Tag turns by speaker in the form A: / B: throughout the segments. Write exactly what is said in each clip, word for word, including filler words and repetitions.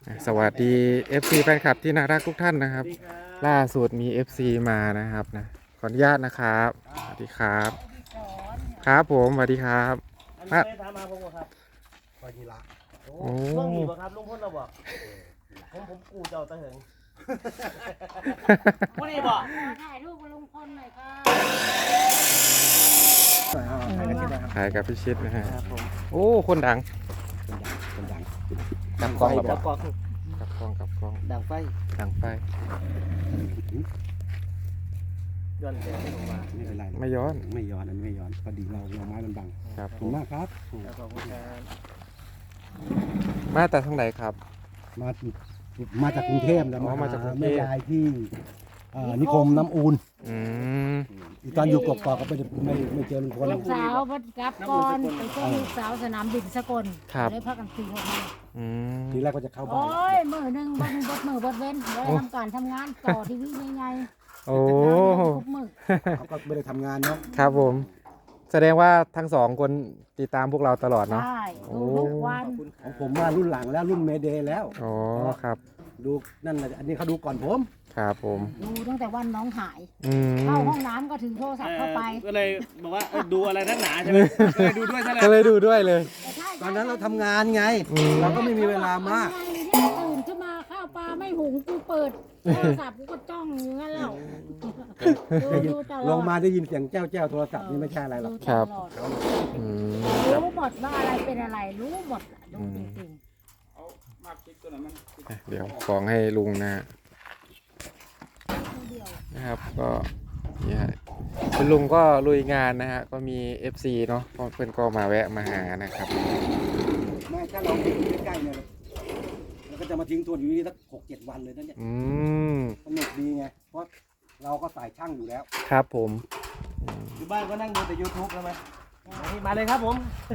A: สวัสดี เอฟ ซี แฟนคลับที่น่ารักทุกท่านนะครับล่าสุดมี เอฟ ซี มานะครับนะขออนุญาตนะครับสวัสดีครับครับผมสวัสดีครับ
B: อันนี้ไม่ถามมาผมครับ
C: คอยยีระ
B: โอ้ช่วงนี้บ่ครับลุงพลเราบอกผมผมกูเจ้าตะเหิงผู้นี้บอก
D: ถ่ายรูปกับลุงพลหน่อยค่ะ
A: ถ่ายกับพี่ชิดนะฮะ
B: ครับผม
A: โอ้คนดัง
C: คนดัง
A: กับกล้องกับ
B: ดังกอก
A: กับกล้องกับกล้อง
B: ดังไฟ
A: ดังไป
B: ย้อนแสงลงมา
C: ไม่เป็นไร
A: ไม่ย้อน
C: ไม่ย้อนอันนี้ไม่ย้อนพอดีเราเราไม้มันบัง
A: ครับ
C: ขอบคุณมากครับ
B: ขอบคุณครับ
A: มาแต่ทางไหนครับ
C: มามาจากกรุงเทพแล้ว
A: อ๋อมาจากกรุงเทพ
C: แม่ยายที่เอ่อนิคมน้ำอูน
A: อืม
C: อีตอนอยู่กบกอกก็ไม่ได้ไม่ไม่เจอลุงพล
D: ลูกสาวบัดกับก่อนไปส่งลูกสาวสนามบินสกลได้พักกันสี่คน
A: อืม
C: ทีแรกก็จะเข้าบ้า
D: โอ้
C: น
D: ยมือหนึ่งบดบดมือบดเว้นได้ทำการทำงานต่อทีวีใหญ่ๆ
A: โอ้
D: ทุกมือ
C: เขาก็ไม่ได้ทำงานเนาะ
A: ครับผม แสดงว่าทั้งสองคนติดตามพวกเราตลอดเนาะ
D: ใช่ดูทุกวัน
C: ของผมว่ารุ่นหลังแล้วรุ่นเมเดย์แล้ว
A: อ๋อครับ
C: ดูนั่นแหละอันนี้เขาดูก่อนผม
A: ครับผม
D: ดูตั้งแต่วันน้องหาย
A: อืม
D: เข้าห้องน้ำก็ถือโทรศัพท์เข้าไป
B: ก็เลยบอกว่าดูอะไรนักหนาใช่ไหมก็เลยดูด้วยซะเลย
A: ก็เลยดูด้วยเลย
C: ตอนนั้นเราทำงานไง เราก็ไม่มีเวลามาก
D: ตื่นขึ้นมาข้าวปลาไม่หุงกูเปิดโทรศัพท์กูก็จ้องอย่างนั้นแล้วดูดูตลอด
C: ลงมาได้ยินเสียงแจ้วแจ้วโทรศัพท์นี่ไม่ใช่อะไรหรอก
A: ครับ
D: ดูตลอด
A: อืม
D: รู้หมดว่าอะไรเป็นอะไรรู้หมดรู้จริง
A: เดี๋ยวของให้ลุงนะฮะนะครับก็นี่ฮะคุณลุงก็ลุยงานนะฮะก็มี เอฟ ซี เนาะก็เพื่อนก็มาแวะมาหานะครับ
C: ไม่ถ้าเราอยู่ใกล้ๆเนี่ยเราก็จะมาทิ้งตัวอยู่นี่สักหกเจ็ดวันเลยนั่นเนี่ย
A: อืม
C: สนุกดีไงเพราะเราก็สายช่างอยู่แล้ว
A: ครับผมอืม
B: อยู่บ้านก็นั่งดูแต่ ยูทูบใช่ไหมมาเลยครับผม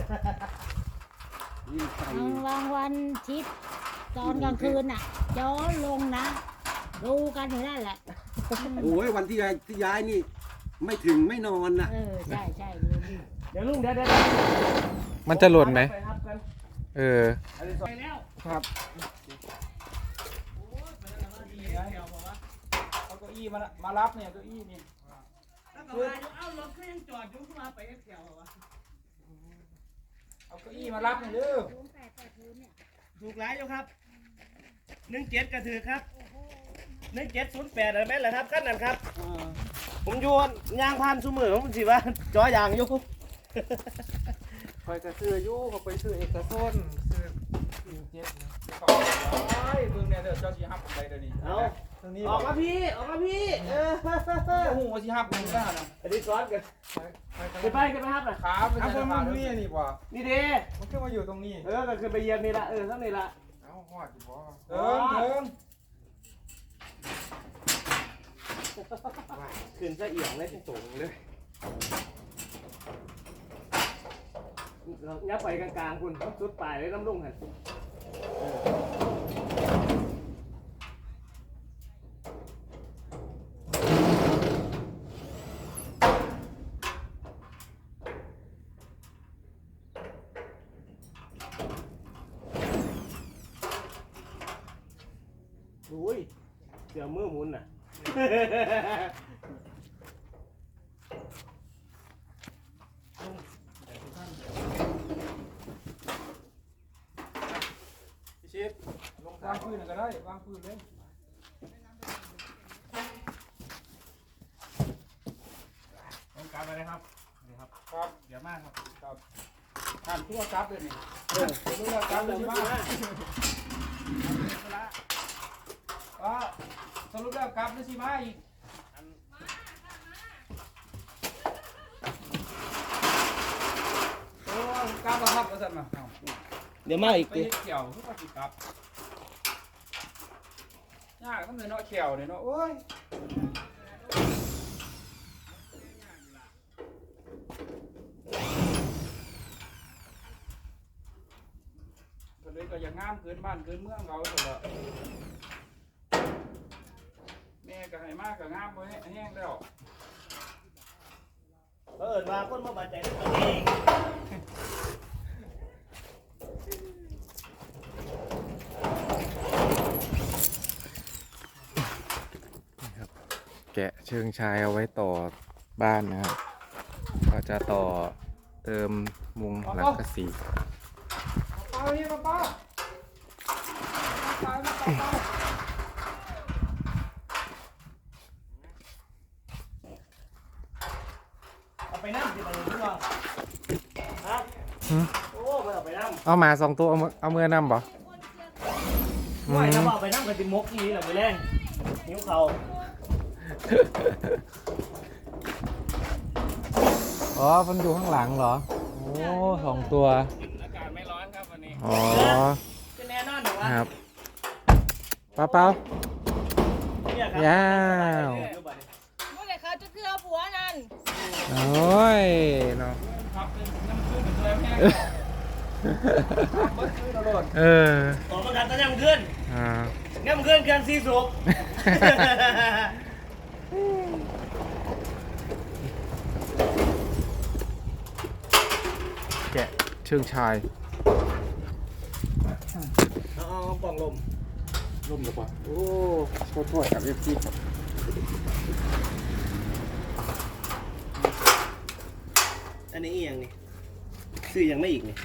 C: นี่ใส่
D: ๆบางวันชิดตอนกลางคืนน่ะย้อนลงนะดูกันอยู่นั่นแหละ
C: โอ้ยวันที่ย้ายที่ย้ายนี่ ไม่ถึงไม่นอนนะ
D: เออใช่ใช่ดูดิ
B: เดี๋ยวลุงเดี๋ยวเดี๋ยว
A: มันจะหล่นไหม
B: ปครับกัน
A: เออ
B: ไปแล้ว
A: ครับ
E: เอาเก้าอี้มาละมารับเนี่ยเก้าอี้นี่
B: แล้วก็มาอยู่เอ้ารถก็ยังจอดอยู่ขึ้นมาไปแถววะ
E: เอาเก้าอี้มารับเนี่ยเด้อ
B: ถูกหลายอยู่ครับหนึ่งเจ็ดกระถือครับหนึ่งเจ็ดศูนย์แปดอะไรไหมล่ะครับขั้นนั้นครับผมอยู่ยางพันซูมือผมสิว่าจอยางอยู่
E: คอยกระซื้ออยู่เขาไปซื้อเอกชนซื้อสินเจ็ดนะเขาไอ้เบิ่งเนี่ยเดี๋ยวเจ้าสิฮับไปเดี๋ยวนี้
B: เอา
E: ทางนี้
B: ออกมาพี่ออกมาพี่เออ
E: โอ้โหว่าสิฮับมึงได้นะ
B: อันนี้ซ้อนกัน
E: ไป
B: ไปไปกันไปครับน่ะ
E: ขาไป
A: เอา
E: ใส่
A: คน
E: ผ้า
A: มัน
E: นี่
A: นี่นี่ป่ะ
B: นี่เด้
A: มันขึ้นมาอยู่ตรงนี้
B: เออก็คือไปเยี่ยมนี่ละเออทั้งนี่ละ
A: เอาหอดอยู่ป่ะ
E: เดินเดิน
B: ขึ้นซะเอียงเลยสูงเลยยับไปกลางๆคุณต้องสุดปลายเลยน้ำลุ่งหันอุ้ยเสือมือหมุนน่ะ
E: พี่ชิดลงวางพื้นก็ได้วางพื้นเลย
B: ต้องการไปเลยครับนี่ครับ
E: ครับ
B: เดี๋ยวมากครับ
E: ครับท่านผู้ว่ากับเลยนี่
B: เออ
E: ผู้ว่ากับเลยสิมาว่าสรุปแล้วกับเลยสิมาอีกโอ้กลับแล้วครับว่าซั่นน่ะเอ้า
B: เดี๋ยวมาอีก
E: ไปเฮ็ดเขียวคือว่าสิกลับยากมันเลยเนาะเขียวเนี่ยเนาะโอ้ยก็เลยก็อย่างงามเกินบ้านเกินเมืองเราซั่นล่ะแม่ก็ให้มากก็งามบ่แห้งแล้ว
B: เออมาคนมาบาดใจได้ตรงนี้
A: กะเชิงชายเอาไว้ต่อบ้านนะครับก็จะต่อเติมมุงหลังกระสี
E: ป้าเนี่ยป้าป้าป้าป้าป้า
B: เอาไปน้ำสิบาทหรือเปล่าฮะโอ้ไม่เอาไปน้ำ
A: เอาหมาสองตัวเอามือเอามือนำบ่
B: ไม่ถ้าเอาไปน้ำกันติมกนี่แหละไปแรงนิ้วเขา
A: อ๋อมันอยู่ข้างหลังเหรอโอ้สองตัว
E: อากาศไม่ร้อนครับวันนี้
A: อ๋อ
B: จะแน่นอนเหรอวะ
A: ครับเปาเปา
B: เนี่ยครับ
A: ยาว
D: เมื่อไหร่เขาจะเกลือผัวนั่น
A: โอ้ยเนาะ
E: ครับเป็นน้ำขึ้นเป็นตัวแห้งเบิดขึ้นตลอด
A: เออ
B: ต่อมากันตอนยังขึ้น
A: อ่า
B: งั้นขึ้นเครื่องซีสุก
A: แกะเชิงชาย
B: เอาเอากล่องลม
A: ร่มหรือเปล่าโอ้โทษโทษกับเอฟซีครับ
B: อันนี้อีกอย่างนี่ซื้อยังไม่อีกนี่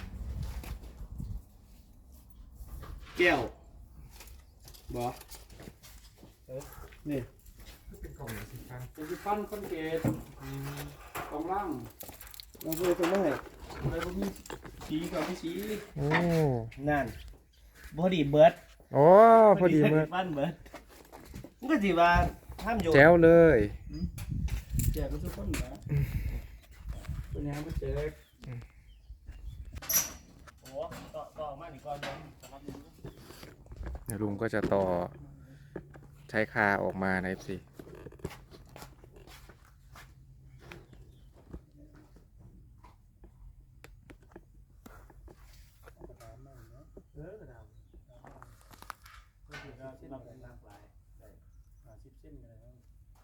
B: แก้วบอนี่
A: เป็นกล่องสีฟ้า
E: เป็นที่ปั้นปั้นเกตกองล่าง
B: เราซื้อตัวไม่
E: อะไรพวกนี้สีกับไม่สี
A: โอ้
B: นั่นพอดีเบิร์ด
A: โอ้พอดีเมื่อ
B: บ้านเบิร์ดมันก็สิว่าห้ามโยน
A: แจ๋วเลย
E: แจกก็ทุกคนนะเป็นยังไม่แจก
B: โอ้ต่อต่อมาอีกก่อนนะ
A: เดี๋ยวลุงก็จะต่อใช้คาออกมาในเอฟซี
B: เออกระดาษก็คือเราที่เราเป็นนางปลาย
E: หาสิบเส้นกันเลย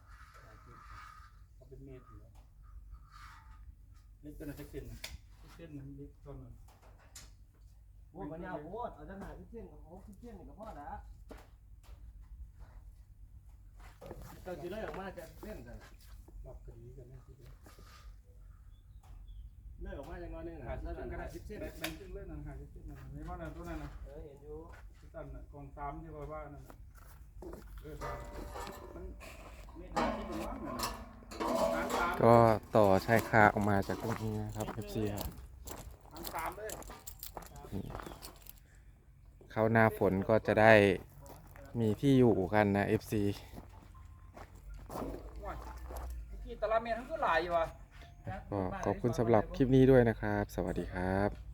E: เขาเป็นเมตรอยู่แล้วเล็กตัวนั้นจะเส้นเส้นมันเล็กตัวนึง
B: โอ้มันยาวโอ้เอาจะหาที่เส้นโอ้ที่เส้นนี่ก็พอละเราจะได้ออกมาจะเส้นกัน
E: หลับกันดีกันนะทีเดียว
B: เลิกออกมาอย่างน้อยนึง
E: หา
B: นะ
E: สิบ
B: แล้ว
E: เส้นก็
B: ก็
E: ได้
B: ได้
E: สิ
B: สิ
E: บบ เส้
B: เส้
E: น
B: น
E: แบ่งครึ่งเลยนะหาสิบเส้นนะไม่ว่านะตัวนั้นนะ
B: เออเห็นอยู่
E: ที่ตันนะกองสามที่ว่าว่านั่นนะเออมันเมตรที่เป็นว่างนะหางสาม
A: ก็ต่อใช้คาออกมาจากตรงนี้นะครับเอฟซีครับ
E: หางสามเลย
A: เข้าหน้าฝนก็จะได้มีที่อยู่กันนะ เอฟ ซี
E: ว่ากี่ตารางเมตรทั้งก็หลายอยู่อ่ะ
A: ก็ขอบคุณสำหรับคลิปนี้ด้วยนะครับ สวัสดีครับ